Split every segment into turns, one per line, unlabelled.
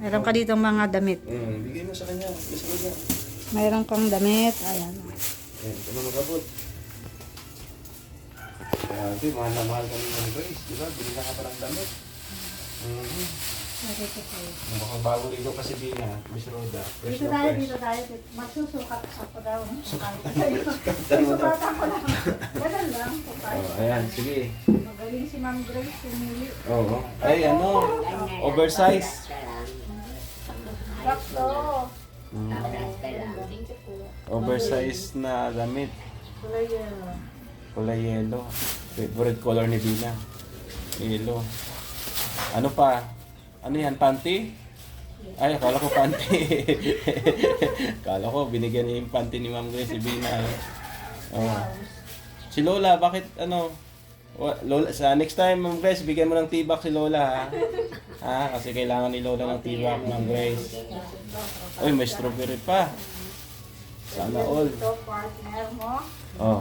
Meron ka dito mga damit.
Bigay mo sa kanya. Gusto mo dyan.
Meron kang damit. Ayan.
Ayan, ito na mag-abot. Grabe, mahal na mahal kami ng Grace. Diba? Bili na ka pa ng damit. Mukhang bago rito kasi Bina, Miss Roda. Fresh
Dito
na
tayo,
fresh.
dito tayo. Magsusukat ako daw. Sukatan ko lang. Ganun lang.
Ayan, sige.
Magaling si Ma'am Grace. Pumili.
Oo. Ay, ano? Oversize.
Sakto.
Oversize na damit.
Kulay yellow.
Kulay yellow. Favorite color ni Bina. Yellow. Ano pa? Ano yan? Panty? Ay, akala ko panty. Akala ko binigyan niya yung panty ni Ma'am Grace si Bina. Oh. Si Lola, bakit ano? Lola, sa next time Ma'am Grace, bigyan mo ng tibak si Lola ha. Ha? Kasi kailangan ni Lola ng tibak, Ma'am Grace. Uy, may strawberry pa. Sana all.
Ito, partner mo.
Oh.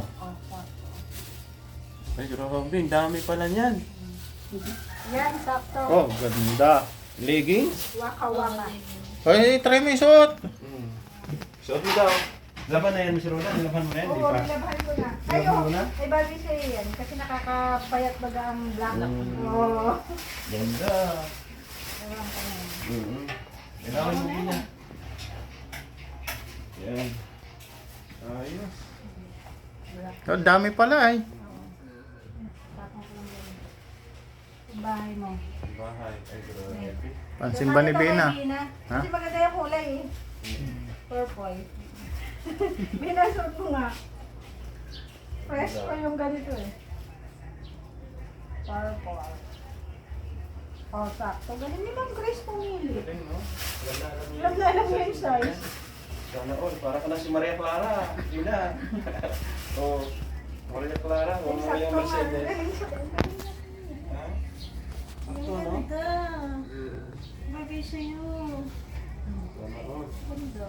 Ay, grabe, ang dami pala niyan.
Yan, sakto.
Oh, ganda. Leggings?
Waka-waka.
Ay, try mo isuot.
Suot mo daw. Laban na yan, Miss Roda. Laban mo yan, di
Oo,
ba?
nilabahan ko na. Ay,
Nilabahan mo na?
ay bagay sa'yo yan. Kasi nakakapayat baga ang black.
Mm.
Oo.
Ganda.
Ewan ko na.
Kailangan mo din na. Yan. Ayos.
Oh, dami pala ay.
Tapos ko lang yan. Yung bahay mo.
Bahay. Ay, grabe.
Pansimba ni Bina. Ha?
Kasi maganda yung kulay eh. Purple. Binasot mo nga. Fresh pa yung ganito eh. Purple. Oh, sakto. Galing ni Ma'am Grace pumili.
Galing, no? Ganda alam mo
Alam na alam mo yung size.
Sana all. Para ka na si Maria Clara. Yun na. Oh, Maria Clara. Huwag mo yung Mercedes. Ha? Sakto, no?
Ganda. Bagay sa'yo.
Sana all.
Ganda.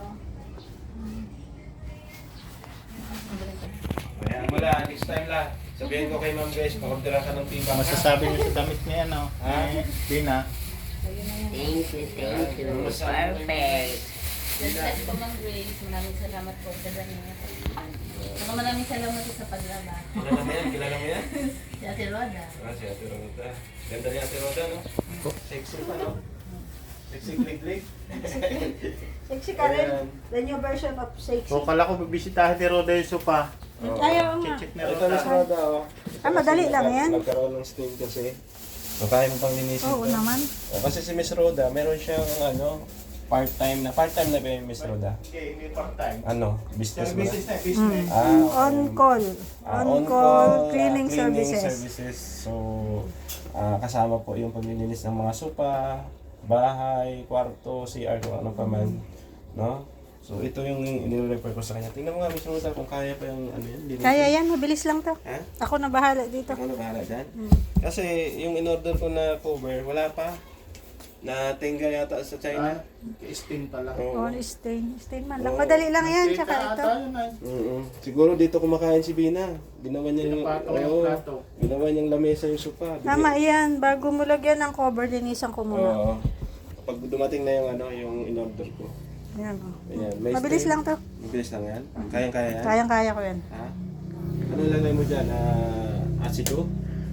Kaya wala, next time la. Sabihin ko kay Ma'am Grace, pakabdala ka ng tibak.
Masasabi niyo sa damit niya, ano?
Ha?
Bina.
Thank you, thank you. Perfect.
Dagdag po Ma'am Grace, maraming salamat po sa ganyan. Saka maraming salamat po sa paglaba.
Kilala mo yan? Kilala mo yan?
Si Ate Roda.
Si Ate Roda. Ganda ni Ate Roda, no? Sexy pa, no? Sexy click-click.
Sexy ka rin. The new version of sexy.
So, kala ko bibisitahin ni Roda yung sopa.
Ayaw nga.
Check ni
Ito
Roda.
Miss Roda, oh.
Ah, madali lang yan.
Nagkaroon ng stain kasi. So, kaya mo pang linisin
Oo
to.
naman.
O, kasi si Miss Roda, meron siyang ano, part-time na ba yung Miss Roda?
Okay, hindi part-time.
Ano? Business mo na?
Business na, business.
On call. On call cleaning
cleaning
services.
So, kasama po yung paglilinis ng mga sopa, bahay, kwarto, CR, kung ano pa man. No? So, ito yung inirefer ko sa kanya. Tingnan mo nga, Miss Rosa, kung kaya pa yung ano yan. linisin.
Kaya yan, mabilis lang to.
Ha?
Ako na bahala dito.
Ako na bahala dyan. Kasi yung in-order ko na cover, wala pa. Na-tenga yata sa China.
Stain pala.
Oh,
Oo.
stain. Stain man lang. Madali lang yan, tsaka ito.
Siguro dito kumakain si Bina. Ginawa niya yung,
Pinapatong yung
oo,
plato.
ginawa niyang lamesa yung sopa.
Tama yan. Bago mo lagyan ng cover, linisan ko muna.
Oo. Pag dumating na yung ano, yung in-order ko.
Yan o.
Ayan, may
Mabilis
stain.
lang to.
Mabilis lang yan? Kayang-kaya yan?
Kayang-kaya ko yan.
Ha? Ano lagay mo dyan? Asido?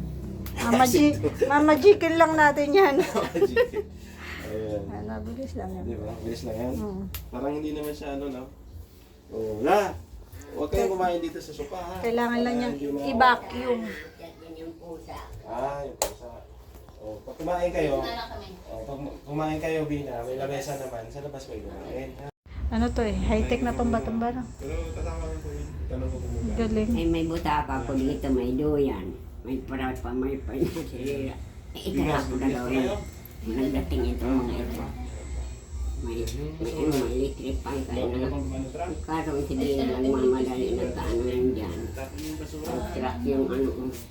Mama Jikin lang natin yan.
Ayan.
Mabilis lang yan.
Di ba? Mabilis lang yan?
Mm.
Parang hindi naman siya ano, no? Oo. La! Huwag kayong kumain dito sa sopa, ha?
Kailangan lang
Para
niyang
hindi ma-
i-vacuum.
Yan yung pusa.
Yung pusa. Pag kumain kayo,
Wala kami.
pag kumain kayo, Bina, may lamesa naman, sa labas kayo kumain. Ha?
Ano to eh? High-tech na tumba-tumba na.
Pero tatama ko yun. Tanong ko kung muna.
Galing.
Ay, may butaka po dito, may duyan. May parat pa, may panasira. Ikala ko na daw yun. Nagdating itong mga ito. May electric pan kayo na. Karoon si Dina lang mamadali ng kaano yun dyan. Truck yung ano.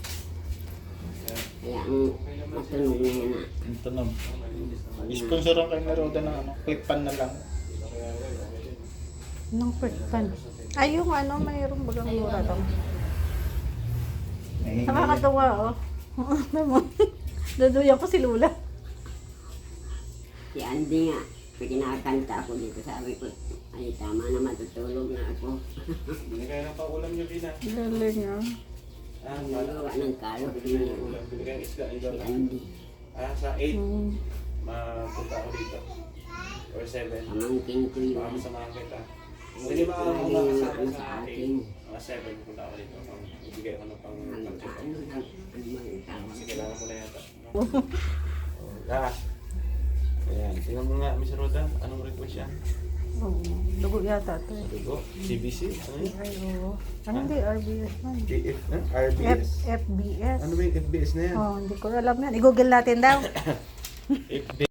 Kaya ang matunog na yan na.
Yung tunog. Sponsoran kayo ni Roda ng ano, clip pan na lang.
Nung quick pan. Ay, yung ano, mayroong bagang mura lang. Nakakatawa, oh. Ano mo? Duduyan ko si Lula.
Si Andy nga, Kinakanta ako dito, sabi ko, ay tama na matutulog na ako.
Binigay ng paulam niyo, Bina.
Galing ah.
Ah,
Nagawa ng kalot
Binigay
niya.
ng ulam. Binigay ng isda.
Si
Ikaw.
Andy,
Sa 8.
Hmm.
Mapunta ako dito. Or 7.
pamangkin ko yun.
Baka masamahan kita. Hindi ba ako
Lagi yung
makakasama
ano
sa
sa
akin?
akin.
Mga 7 punta ako dito. Ibigay ko ng pang
Ano
check up.
bang tawag?
Kasi kailangan ko na yata. Ayan. Tingnan mo nga, Miss Roda. Anong request yan?
Oo. Dugo yata ito eh.
Dugo? CBC? Ano yun?
Ay, oo. Ano di RBS man?
BF? RBS?
FBS.
Ano ba yung FBS na yan?
Oh, hindi ko alam yan. I-google natin daw.
FB